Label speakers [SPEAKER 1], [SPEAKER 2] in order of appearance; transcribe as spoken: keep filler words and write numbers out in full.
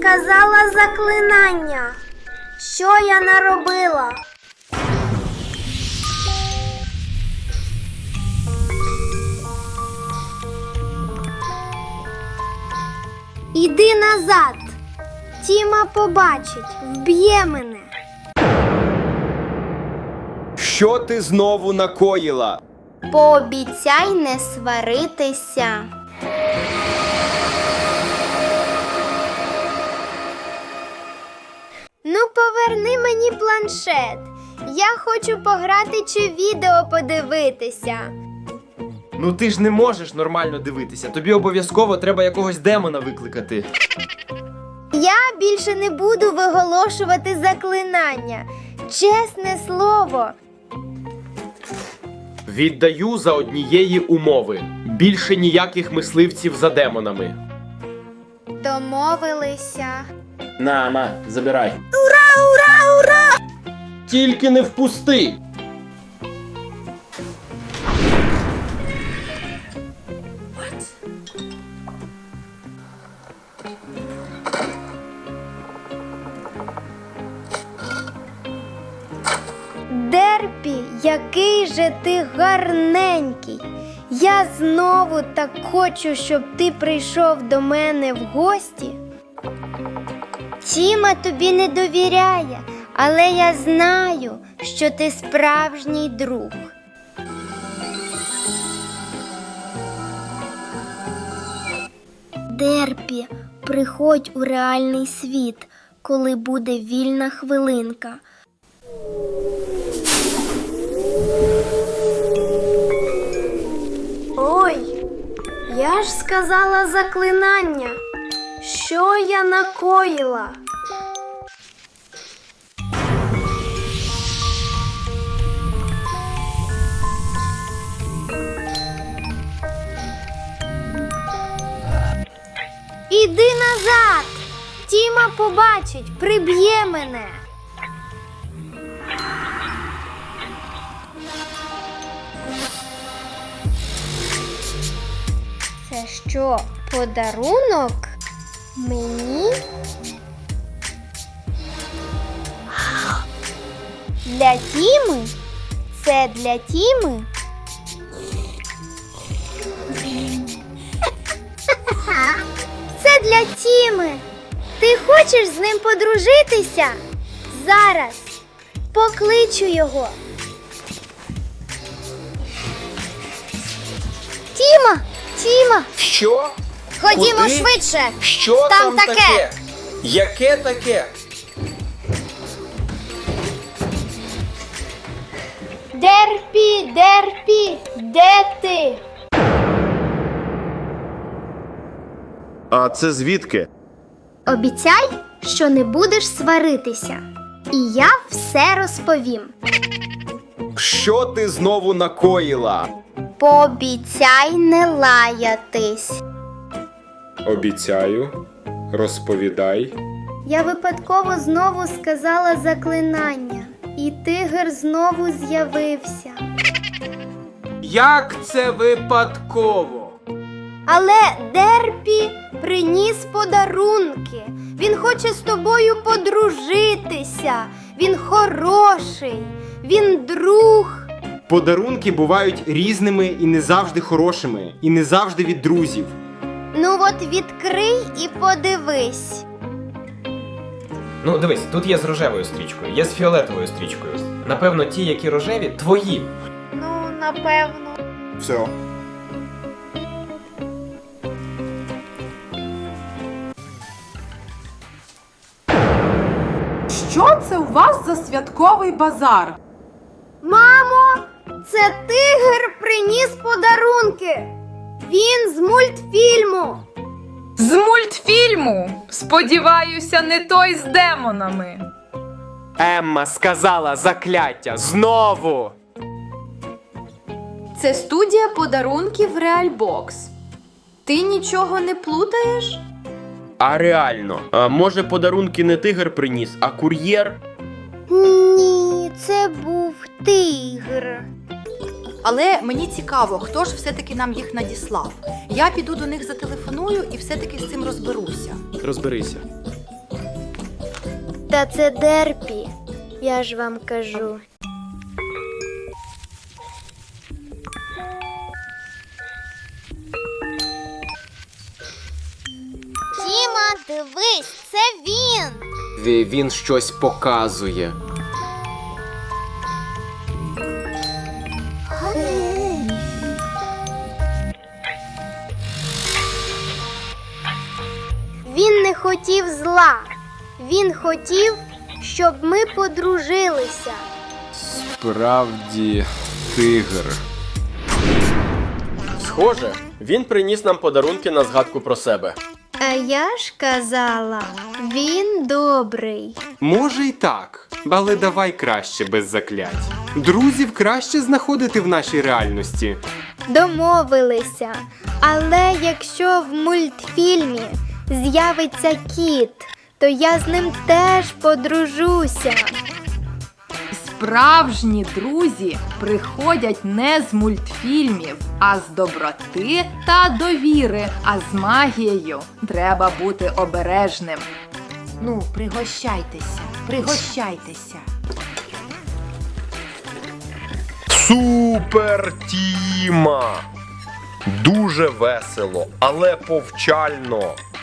[SPEAKER 1] сказала заклинання. Що я наробила? Іди назад. Тіма побачить, вб'є мене.
[SPEAKER 2] Що ти знову накоїла?
[SPEAKER 1] Пообіцяй не сваритися. Ну, поверни мені планшет. Я хочу пограти чи відео подивитися.
[SPEAKER 2] Ну ти ж не можеш нормально дивитися. Тобі обов'язково треба якогось демона викликати.
[SPEAKER 1] Я більше не буду виголошувати заклинання. Чесне слово.
[SPEAKER 2] Віддаю за однієї умови. Більше ніяких мисливців за демонами.
[SPEAKER 1] Домовилися.
[SPEAKER 2] На, на, забирай.
[SPEAKER 1] Ура, ура, ура!
[SPEAKER 2] Тільки не впусти!
[SPEAKER 1] Дерпі, який же ти гарненький. Я знову так хочу, щоб ти прийшов до мене в гості. Тіма тобі не довіряє, але я знаю, що ти справжній друг. Дерпі, приходь у реальний світ, коли буде вільна хвилинка. Ой, я ж сказала заклинання. Що я накоїла? Іди назад! Тіма побачить, приб'є мене. Це що, подарунок? Мені? Для Тіми? Це для Тіми? Це для Тіми. Ти хочеш з ним подружитися? Зараз. Покличу його. Тіма! Тіма!
[SPEAKER 2] Що?
[SPEAKER 1] Ходімо
[SPEAKER 2] Куди?
[SPEAKER 1] швидше.
[SPEAKER 2] Що
[SPEAKER 1] Там
[SPEAKER 2] там,
[SPEAKER 1] таке?
[SPEAKER 2] таке? Яке таке?
[SPEAKER 1] Дерпі, Дерпі, де ти?
[SPEAKER 3] А це звідки?
[SPEAKER 1] Обіцяй, що не будеш сваритися. І я все розповім.
[SPEAKER 2] Що ти знову накоїла?
[SPEAKER 1] Пообіцяй не лаятись.
[SPEAKER 2] Обіцяю. Розповідай.
[SPEAKER 1] Я випадково знову сказала заклинання. І тигр знову з'явився.
[SPEAKER 2] Як це випадково?
[SPEAKER 1] Але Дерпі приніс подарунки. Він хоче з тобою подружитися. Він хороший. Він друг.
[SPEAKER 2] Подарунки бувають різними і не завжди хорошими, і не завжди від друзів.
[SPEAKER 1] Ну от відкрий і подивись.
[SPEAKER 4] Ну, дивись, тут є з рожевою стрічкою, є з фіолетовою стрічкою. Напевно, ті, які рожеві, твої.
[SPEAKER 1] Ну, напевно.
[SPEAKER 3] Все.
[SPEAKER 5] Що це у вас за святковий базар?
[SPEAKER 1] Мамо, це тигр приніс подарунки. Він з мультфільму.
[SPEAKER 6] З мультфільму. Сподіваюся, не той з демонами.
[SPEAKER 2] Емма сказала закляття знову.
[SPEAKER 7] Це студія подарунків Realbox. Ти нічого не плутаєш?
[SPEAKER 3] А реально, а може подарунки не тигр приніс, а кур'єр?
[SPEAKER 1] Ні, це був тигр.
[SPEAKER 8] Але мені цікаво, хто ж все-таки нам їх надіслав. Я піду до них зателефоную і все-таки з цим розберуся.
[SPEAKER 3] Розберися.
[SPEAKER 1] Та це Дерпі, я ж вам кажу.
[SPEAKER 9] Тіма, дивись, це він.
[SPEAKER 3] Він щось показує.
[SPEAKER 1] Він не хотів зла. Він хотів, щоб ми подружилися.
[SPEAKER 3] Справді, тигр. Схоже, він приніс нам подарунки на згадку про себе.
[SPEAKER 1] А я ж казала, він добрий.
[SPEAKER 10] Може й так, але давай краще без заклять. Друзів краще знаходити в нашій реальності.
[SPEAKER 1] Домовилися. Але якщо в мультфільмі з'явиться кіт, то я з ним теж подружуся.
[SPEAKER 6] Справжні друзі приходять не з мультфільмів, а з доброти та довіри. А з магією треба бути обережним.
[SPEAKER 5] Ну, пригощайтеся, пригощайтеся.
[SPEAKER 3] Супер Тіма! Дуже весело, але повчально.